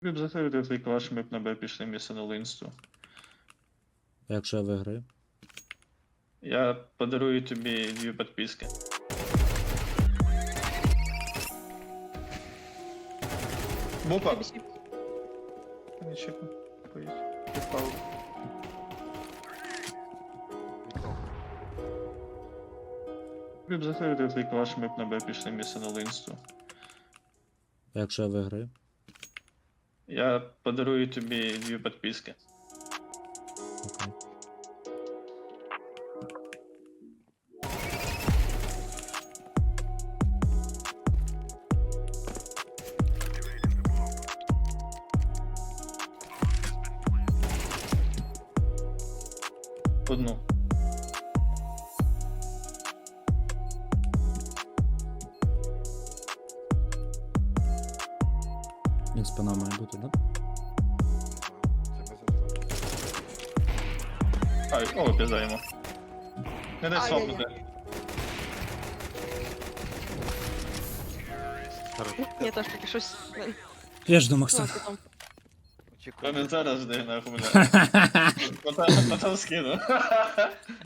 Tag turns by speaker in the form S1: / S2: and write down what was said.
S1: Ви б закрити твій клаш, ми б на Б пішли місце на Линсту.
S2: А якщо я виграю?
S1: Я подарую тобі 2 підписки. Бупа! Не чекай. Поїдь. Попав. Ви б закрити твій клаш, ми б на Б пішли місце на Линсту.
S2: А якщо я виграю?
S1: Я подарую тобі 2 підписки.
S2: Окей.
S1: Одну.
S2: Він спина має бути, да?
S1: Ай, о, піздаємо. Не дай
S3: Ай-яй-яй.
S1: свапнути.
S3: Я теж таки щось.
S2: Я ж до
S3: Ну,
S2: Макса.
S3: а потім.
S1: Та не зараз жди, нахуй, бля. Потім скину.